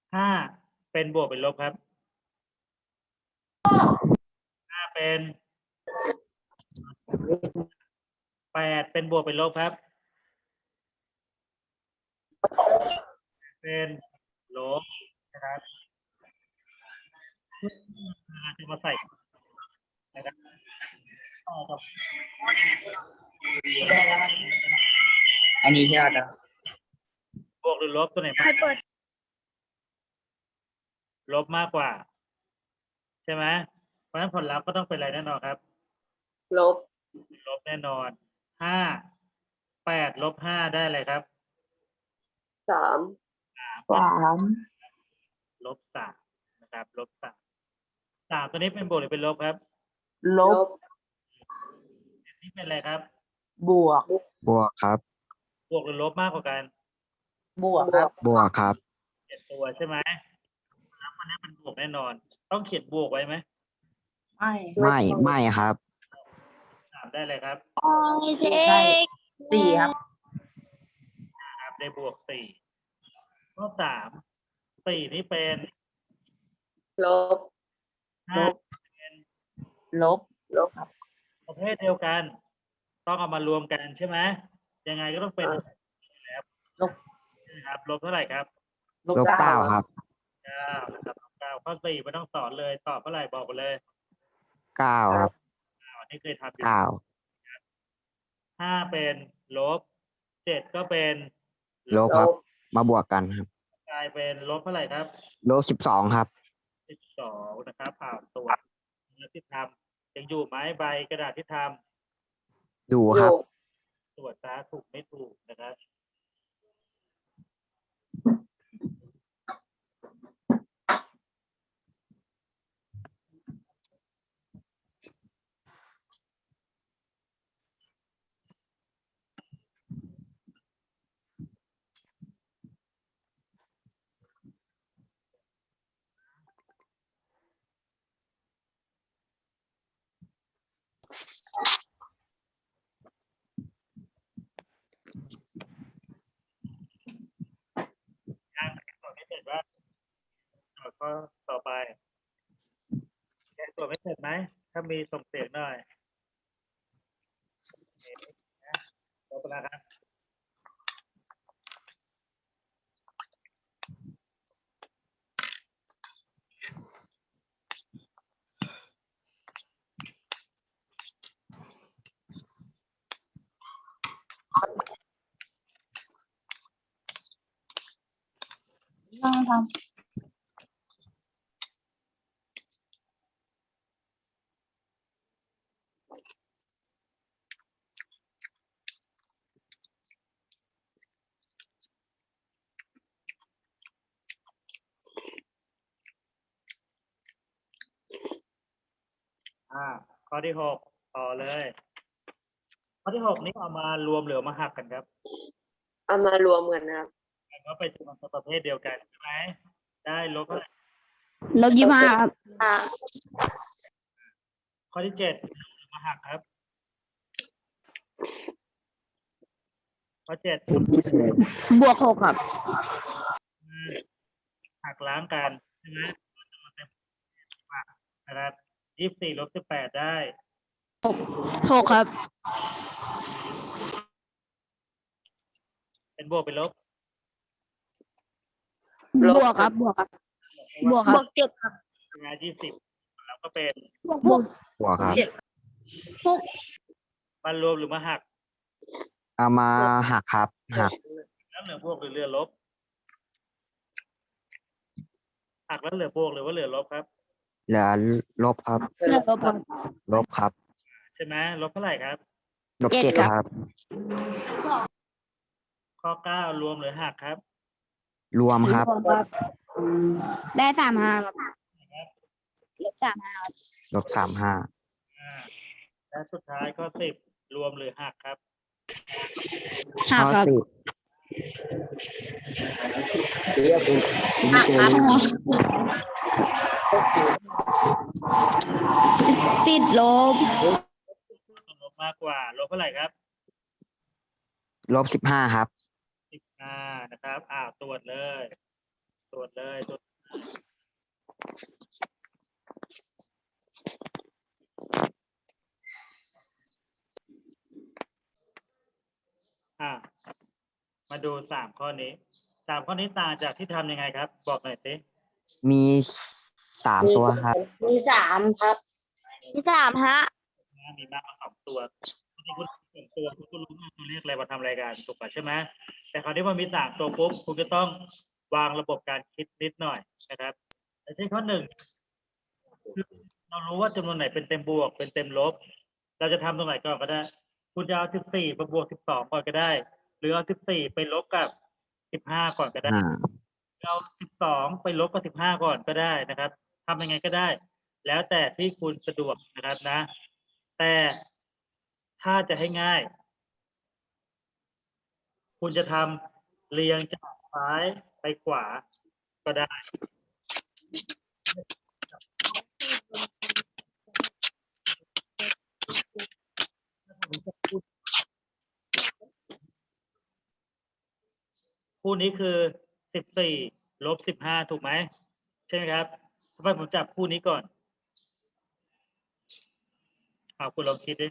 ห้าเป็นบวกเป็นลบครับห้าเป็นแปดเป็นบวกเป็นลบครับเป็นลบนะครับจะมาใส่นะครับต่อกับอันนี้ที่เราจะบวกหรือลบตัวไหนมากลบมากกว่าใช่ไหมเพราะฉะนั้นผลลัพธ์ก็ต้องเป็นอะไรแน่นอนครับลบลบแน่นอนห้าแปดลบห้าได้อะไรครับสามลบสามนะครับลบสามสามตัวนี้เป็นบวกหรือเป็นลบครับลบนี่เป็นอะไรครับบวกบวกครับบวกหรือลบมากกว่ากันบวกครับบวกครับเจ็ดตัวใช่ไหมแล้วมันนี้เป็นบวกแน่นอน ต้องเขียนบวกไว้ไหมไม่ไม่ครับสามได้เลยครับได้สี่ครับครับได้บวกสี่ข้อสามสี่นี่เป็นลบห้าลบลบประเภทเดียวกัน ต้องเอามารวมกันใช่ไหมยังไงก็ต้องเป็นลบนะครับลบเท่าไหร่ครับลบเก้าครับเก้านะครับลบเก้าข้อสี่ไม่ต้องสอนเลยตอบเท่าไหร่บอกไปเลยเก้าครับอันนี้เคยทำอยู่เก้าห้าเป็นลบเจ็ดก็เป็นลบครับ มาบวกกันครับกลายเป็นลบเท่าไหร่ครับลบ12ครับ 12นะครับตรวจเนื้อที่ทำยังอยู่ไหมใบกระดาษที่ทดูครับำตรวจซะถูกไม่ถูกนะครับยังตรวจไม่เสร็จว่าข้อต่อไปยังตรวจไม่เสร็จไหมถ้ามีส่งเสียงหน่อยลบแล้วครับนั่งทข้อที่หกต่อเลย ข้อที่หกนี้เอามารวมหรือเอามาหักกันครับเอามารวมกันนะครับแล้วก็ไปจำนวนประเภทเดียวกันใช่ไหมได้ลบเท่าไหร่ลบ25ครับข้อที่เจ็ดมาหักครับ ข้อเจ็ดบวก6ครับหักล้างกันใช่ไหมนะครับ24ลบ18ได้ 6ครับเป็นบวกเป็นลบบวกครับ บวกครับ บวกครับ 7ครับใช่ไหม20แล้วก็เป็นบวกบวกครับมันรวมหรือมาหักเอามาหักครับ หักแล้วเหลือบวกหรือเหลือลบ หักแล้วเหลือบวกหรือว่าเหลือลบครับเหลือลบครับเลือกลบครับลบครับใช่ไหมลบเท่าไหร่ครับลบเจ็เจ็ดดครับครับข้อ9รวมหรือหักครับรวมครับได้35ครับลบ35ครับลบ35 และสุดท้ายข้อ10รวมหรือหักครับหักครับ 10 ติดลบลบมากกว่าลบเท่าไหร่ครับลบ15ครับ 15นะครับตรวจเลยตรวจเลยตรวจอ่ะมาดู3 ข้อนี้3 ข้อนี้ต่างจากที่ทำยังไงครับ บอกหน่อยสิมี3 ตัวครับมี3ครับที่สามฮะมีมากกว่า2 ตัวที่คุณ2 ตัวคุณก็รู้ว่าตัวเลขอะไรมาทำรายการถูกป่ะใช่ไหมแต่คราวนี้พอมี3 ตัวปุ๊บคุณจะต้องวางระบบการคิดนิดหน่อยนะครับอย่างเช่นข้อ 1คือเรารู้ว่าจำนวนไหนเป็นเต็มบวกเป็นเต็มลบ เราจะทำตรงไหนก่อนก็ได้ คุณจะเอา14มาบวก12ก่อนก็ได้ หรือเอา14ไปลบกับ15ก่อนก็ได้ เอา12ไปลบกับ15ก่อนก็ได้นะครับทำยังไงก็ได้ แล้วแต่ที่คุณสะดวกนะครับนะ แต่ถ้าจะให้ง่าย คุณจะทำเรียงจากซ้ายไปขวาก็ได้ คู่นี้คือ14ลบ15ถูกไหมใช่ไหมครับทำไมผมจับคู่นี้ก่อนคุณลองคิดดิ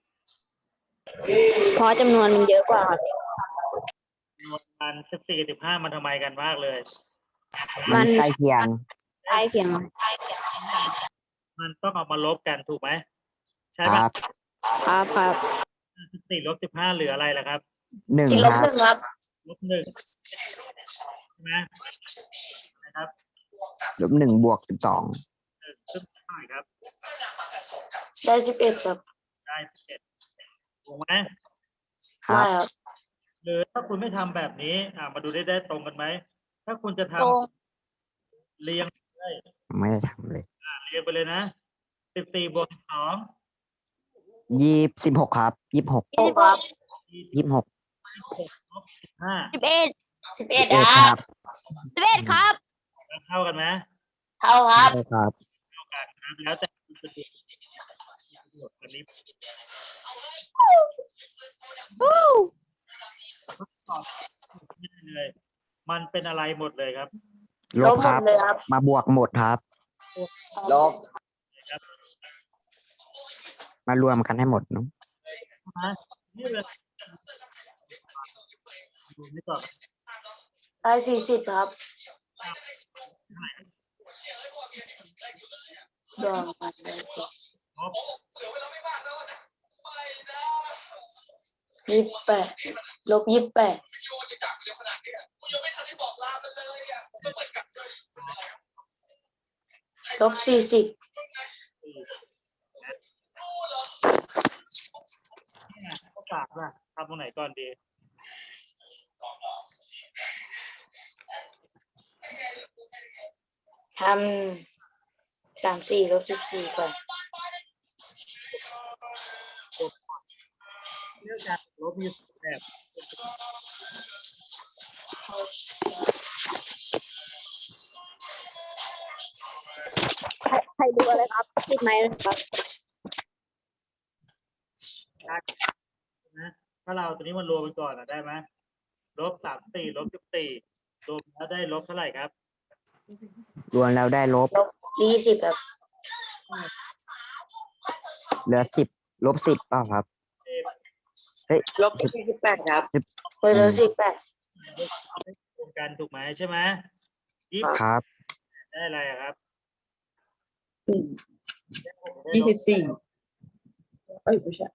เพราะจำนวนมันเยอะกว่าครับจำนวนมัน14กับ15มันทำไมกันมากเลยมันใกล้เคียงใกล้เคียงครับมันต้องเอามาลบกันถูกไหมใช่คไหมรับครับ 14ลบ15เหลืออะไรล่ะครับ 1 ที่ลคบรับ 1ครับลบ1ใช่ไหมนะครับ -1 บวก 12 ซึ่งเท่าไหร่ครับได้11ครับได้11ถูกไหมครัไม่บครับหรือถ้าคุณไม่ทำแบบนี้มาดูได้ตรงกันไหมถ้าคุณจะทตรงำเรียงเลยไม่ได้ทำเลยเรียงไปเลยนะ14บวก12 26 ครับ 26 6ครับ 26 16ลบ15 11 11 11 คครัรับ บ 11ครับเท่ากันไหมเท่าครับใช่ครับเท่ากันครับแล้วแต่คุณสะดวกอันนี้ตอบไม่ได้เลย มันเป็นอะไรหมดเลยครับลบครับลบหมดเลยครับมาบวกหมดครับลบมารวมกันให้หมดเนอะนะนี่เลยดูนี่ก่อนได้40ครับรวมกันได้ลบ 28ลบ28ลบ40 เนี่ยข้อ3ล่ะทำตรงไหนก่อนดีทำ34ลบ14ก่อนเรื่องการลบมีแบบใครดูอะไรครับติดไหมครับนะถ้าเราตัวนี้มันรวมกันก่อนได้ไหมลบ34ลบ14รวมแล้วได้ลบเท่าไหร่ครับรวมแล้วได้ลบลบ20ครับเหลือ 10 ลบ 10เปล่าครับลบ28ครับ 10 เหลือ18 รวมกันถูกไหมใช่ไหมครับได้อะไรอะครับ 24เอ้ยไม่ใช่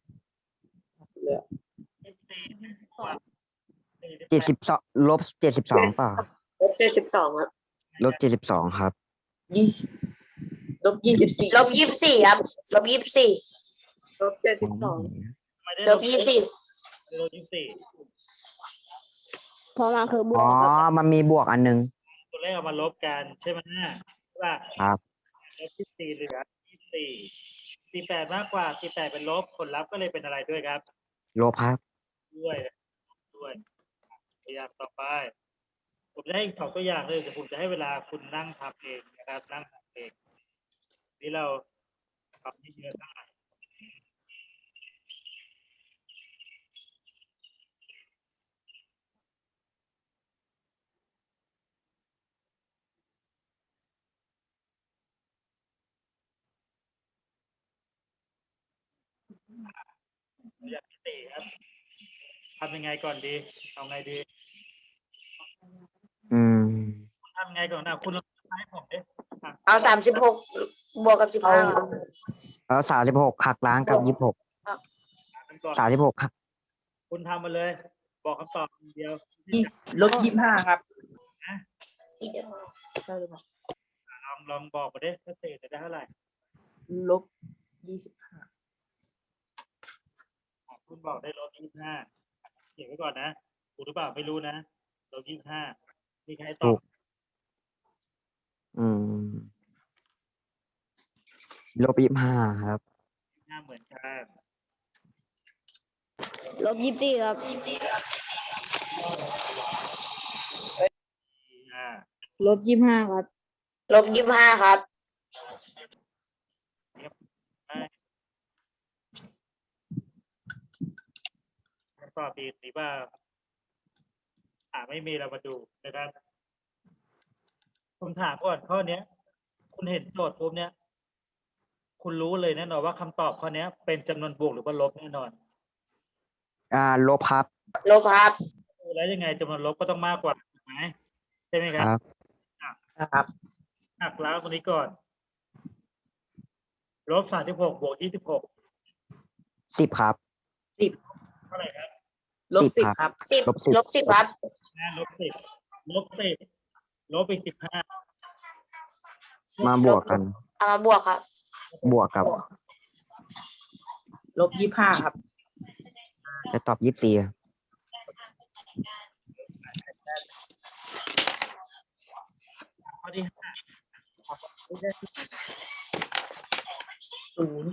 72 ลบ 72เปล่าลบ72ครับลบ 72 ครับ 20ลบ24 ลบ24ครับลบ24ลบ72 ไม่ได้ลลบบ 20 ลบ24 เพราะมันคือบวอ๋กอครับมันมีบวกอันนึงตัวเลขเอามาลบกันใช่ไหมใช่ป่ะครับลบ24เหลือ24 48มากกว่า48เป็นลบผลลัพธ์ก็เลยเป็นอะไรด้วยครับลบครับด้วยพยายามต่อไป ผมจะให้อีก2 ตัวอย่างเลยแต่ผมจะให้เวลาคุณนั่งทำเองนะครับนั่งทำเองนี่เราทำที่เยอะได้ตัวอย่างที่สี่ครับทำยังไงก่อนดีเอาไงดีอืมทำยังไงก่อนนะคุณลองให้ผมดิอ่ะเอา36บวกกับ15ครับแล้ว36หักล้างกับ26 ทำก่อน 36ครับคุณทำมาเลย บอกคำตอบอย่างเดียวลบ25 ครับอีกเดียวใช่หรือเปล่าลองบอกมาดิว่าเศษจะได้เท่าไหร่ลบ25 คุณบอกได้-25เขียนไว้ก่อนนะถูกหรือเปล่าไม่รู้นะ-25มีใครตถูอบก อืม-25ครับ 25เหมือนกัน -24ครับ 25 -25ครับลบ25ครับคำตอบผิดหรือเปล่าไม่มีเรามาดูนะครับผมถามก่อนข้อเนี้ย คุณเห็นโจทย์ปุ๊บเนี้ยคุณรู้เลยแน่นอนว่าคำตอบข้อเนี้ย เป็นจำนวนบวกหรือว่าลบแน่นอนลบครับลบครับแล้วยังไงจำนวนลบก็ต้องมากกว่าถูกไหมใช่ไหมคครับ รับนะครับหักล้างตรงนี้ก่อน-36บวก26 10ครับเท่าไหร่ครับลบ 10 10 ครับลบ10 ลบ10ครับ -10 ลบไป15 มาบวกกันเอามาบวกครับบวกกับลบ25 ครับจะตอบ24ครับข้อที่5 0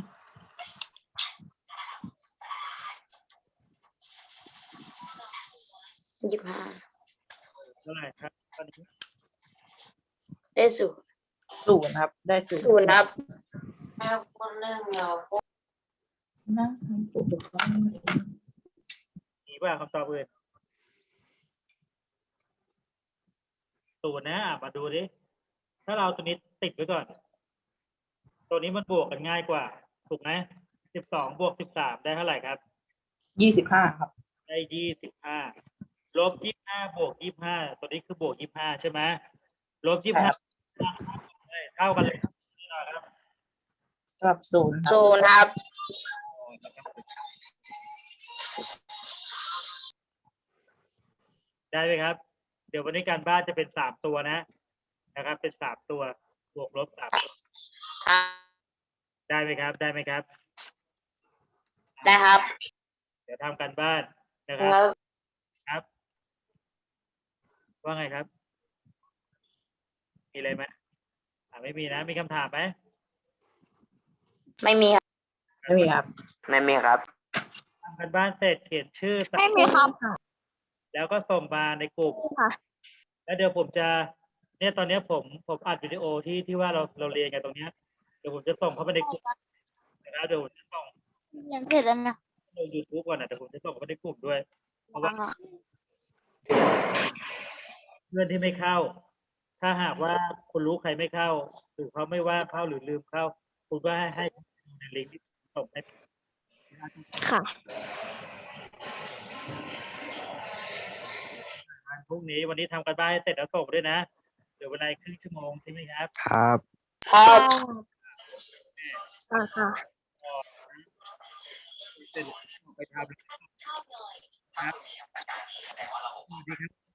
25 เท่าไหร่ครับข้อนี้ได้0 0ครับ ได้ 0 0ครับนะมีว่าคำตอบอื่น0นะมาดูดิถ้าเราตัวนี้ติดไว้ก่อน ตัวนี้มันบวกกันง่ายกว่า ถูกไหม12บวก13ได้เท่าไหร่ครับ 25 ครับได้25ลบ25บวก25ตัวนี้คือบวก25ใช่ไหมลบ25เท่ากันเลยครับกับ0ครับ 0ครับได้ไหมครับ เดี๋ยววันนี้การบ้านจะเป็น3ตัวนะครับ เป็น3ตัวบวกลบ3ตัวได้ไหมครับ ได้ไหมครับได้ครับเดี๋ยวทำการบ้านนะคครับ รับครับ ว่าไงครับ มีอะไรไหมไม่มีนะ มีคำถามไหมไม่มีครับไม่มีครับไม่มีครับทำการบ้านเสร็จเขียนชื่อไม่มีครับแล้วก็ส่งมาในกลุ่มค่ะแล้วเดี๋ยวผมจะเนี่ยตอนนี้ผมอัดวิดีโอที่ว่าเราเรียนกันตรงเนี้ยเดี๋ยวผมจะส่งเข้าไปในกลุ่มนะครับเดี๋ยวผมจะส่งเรียนเสร็จแล้วนะลง YouTube ก่อนนะแต่ผมจะส่งเข้าไปในกลุ่มด้วย เพราะว่าเพื่อนที่ไม่เข้า ถ้าหากว่าคุณรู้ใครไม่เข้า หรือเขาไม่ว่าเข้าหรือลืมเข้า คุณก็ให้ในลิงก์ที่ส่งให้ค่ะวันพรุ่งนี้วันนี้ทำกันบ้านให้เสร็จแล้วส่งด้วยนะเดี๋ยวเวลาครึ่งชั่วโมงใช่ไหมครับครับครับค่ะเสร็จไปทำครับสวัสดีครับ